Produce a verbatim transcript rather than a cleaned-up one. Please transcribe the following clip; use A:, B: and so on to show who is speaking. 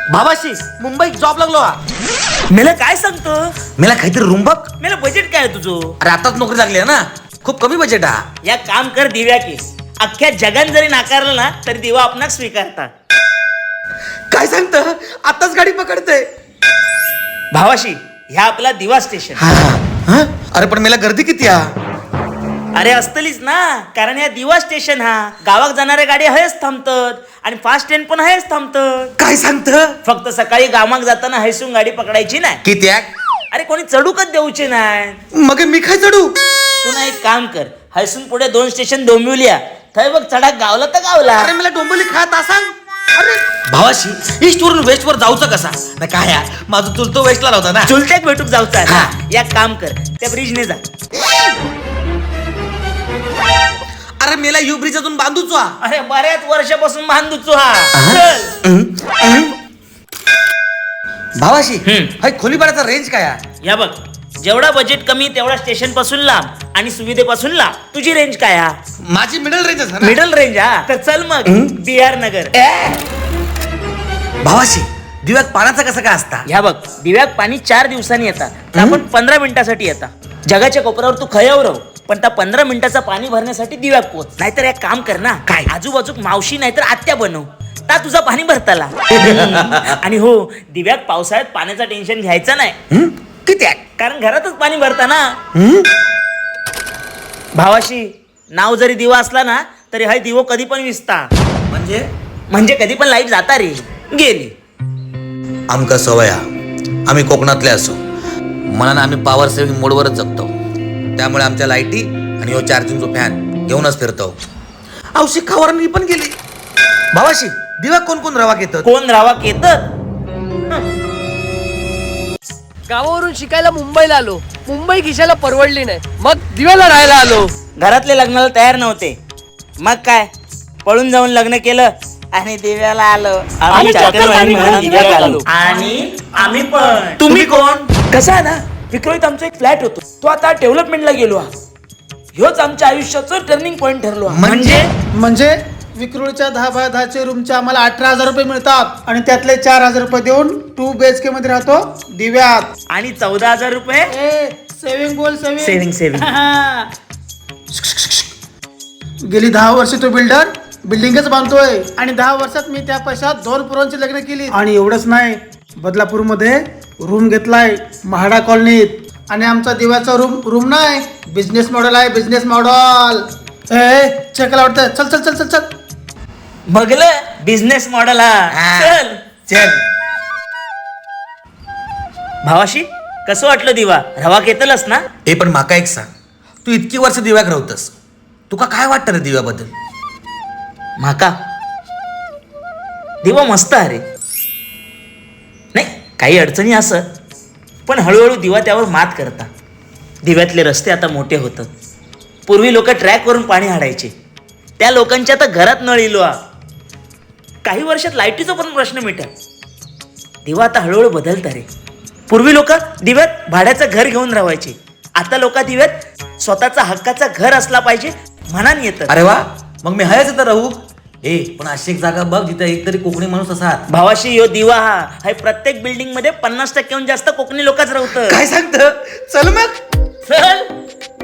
A: भावाशी मुंबईत जॉब लागलो हा.
B: मला काय सांगतो
A: मला काहीतरी रूम बघ.
B: मला बजेट काय आहे तुझं?
A: अरे आताच नोकरी लागली आहे ना, खूप कमी बजेट हा.
B: या काम कर दिव्या की अख्ख्या जगान जरी नाकारलं ना तरी दिवा आपणाक स्वीकारता.
A: काय सांगत, आताच गाडी पकडते.
B: भावाशी ह्या आपला दिवा स्टेशन.
A: हा हा. अरे पण मला गर्दी किती हा.
B: अरे असतलीच ना, कारण या दिवा स्टेशन हा गावात जाणाऱ्या गाडी हयच थांबतात आणि फास्ट ट्रेन पण हयच थांबतात.
A: काय सांगत,
B: फक्त सकाळी गावात जाताना हैसून गाडी पकडायची नाही.
A: किती आहे?
B: अरे कोणी चढूकच देऊचे नाही.
A: मग मी काय चढू?
B: तू ना एक काम कर, हैसून पुढे दोन स्टेशन डोंबिवल्या थय बघ चढा गावला तर गावला.
A: अरे मला डोंबिवली खात सांग. अरे भावाशी ईस्ट वरून वेस्ट वर जाऊचं कसा ना काय हा? माझं चुलतो वेस्टला होता ना.
B: चुलत्याक भेटूक जाऊचा
A: हा.
B: या काम कर, त्या ब्रिजने जा.
A: अरे मेला यू ब्रिज अजून बांधूच हा.
B: अरे बऱ्याच वर्षापासून बांधूचो हा. चल.
A: भावाशी
B: हम्म.
A: हाय खोली भाड्याचा रेंज काय हा?
B: या बघ, जेवढा बजेट कमी तेवढा स्टेशन पासून लांब आणि सुविधेपासून लांब. तुझी रेंज काय हा?
A: माझी मिडल रेंज आहे ना.
B: मिडल रेंज हा. तर चल मग बी आर नगर.
A: भावाशी दिव्यात पाण्याचा कसा काय असता?
B: ह्या बघ, दिव्यात पाणी चार दिवसांनी येतात, तर आपण पंधरा मिनिटासाठी येतात. जगाच्या कोपऱ्यावर तू खयावर राहू, पण त्या पंधरा मिनिटाचा पाणी भरण्यासाठी दिव्यात पोच. नाहीतर एक काम कर ना,
A: काय?
B: आजूबाजू मावशी नाहीतर आत्या बनव, ता तुझा पाणी भरताला. आणि हो, दिव्यात पावसाळ्यात पाण्याचं टेन्शन घ्यायचं नाही.
A: हं? किती आहे?
B: कारण घरातच पाणी भरता ना.
A: हं?
B: भावाशी नाव जरी दिवा असला ना तरी हाय दिवो कधी पण विसता.
A: म्हणजे
B: म्हणजे कधी पण लाईट जाता रे गेली.
A: आमका सवय हा. आम्ही कोकणातले असो, मनानं आम्ही पॉवर सेव्हिंग मोडवरच जगतो. त्यामुळे आमच्या लाईटी आणि हो चार्जिंगचा फॅन घेऊनच फिरतो. औषध खावर मी पण गेली. भावाशी दिवा कोण कोण रवा घेतात?
B: कोण रावा केतत?
C: गावावरून शिकायला मुंबईला आलो. मुंबई खिशाला परवडली नाही, मग दिव्याला राहायला आलो.
B: घरातले लग्नाला तयार नव्हते, मग काय पळून जाऊन लग्न केलं आणि दिव्याला आलो. आम्ही चाकरमानी म्हणून दिव्यात आलो. आणि आम्ही पण. तुम्ही कोण? कसं आहे ना, विक्रोळीत आमचा एक फ्लॅट होतो, तो आता डेव्हलपमेंटला गेलो. ह्योच आमच्या आयुष्याचं टर्निंग पॉइंट ठरलो.
A: म्हणजे
D: म्हणजे विक्रोळीच्या दहा बाय दहाचे रूमचे आम्हाला अठरा हजार रुपये मिळतात आणि त्यातले चार हजार रुपये देऊन टू बीएचके मध्ये राहतो दिव्यात.
B: आणि चौदा हजार रुपये
D: ए सेविंग बोल
B: सेव्हिंग
D: सेविंग
B: सेव्हिंग.
D: गेली दहा वर्ष तो बिल्डर बिल्डिंगच बांधतोय आणि दहा वर्षात मी त्या पैशात दोन पोरांची लग्न केली. आणि एवढंच नाही, बदलापूर मध्ये रूम घेतलाय महाडा कॉलनीत. आणि आमचा दिव्याचा रूम रूम नाही, बिझनेस मॉडेल आहे, बिझनेस मॉडेल. ए चेकला वाटतं, चल चल चल चल चल.
B: बघलं बिझनेस मॉडेल हा.
A: हा.
B: चल
A: चल.
B: भावाशी कसं वाटलं दिवा? रवा केतलस ना?
A: हे पण माका एक सांग, तू इतकी वर्ष दिव्याक राहतस, तुका काय वाटतं रे दिव्याबद्दल?
B: माका दिवा मस्त अरे. नाही काही अडचणी असत, पण हळूहळू दिवा त्यावर मात करता. दिव्यातले रस्ते आता मोठे होतात. पूर्वी लोक ट्रॅक वरून पाणी हाडायचे, त्या लोकांच्या आता घरात नळ इलो. काही वर्षात लाईटीचा पण प्रश्न मिटेल. दिवा आता हळूहळू बदलता रे. पूर्वी लोक दिव्यात भाड्याचं घर घेऊन राहायचे, आता लोक दिव्यात स्वतःचा हक्काचा घर असला पाहिजे म्हणान येतं.
A: अरे वा, मग मी हयाच तर राहू. ए पण अशी एक जागा बघ जिथे एक तरी कोकणी माणूस असा.
B: भावाशी यो दिवा हा हाय प्रत्येक बिल्डिंग मध्ये पन्नास टक्क्याहून जास्त कोकणी लोकच राहतं.
A: काय सांगत? चल मग.
B: चल.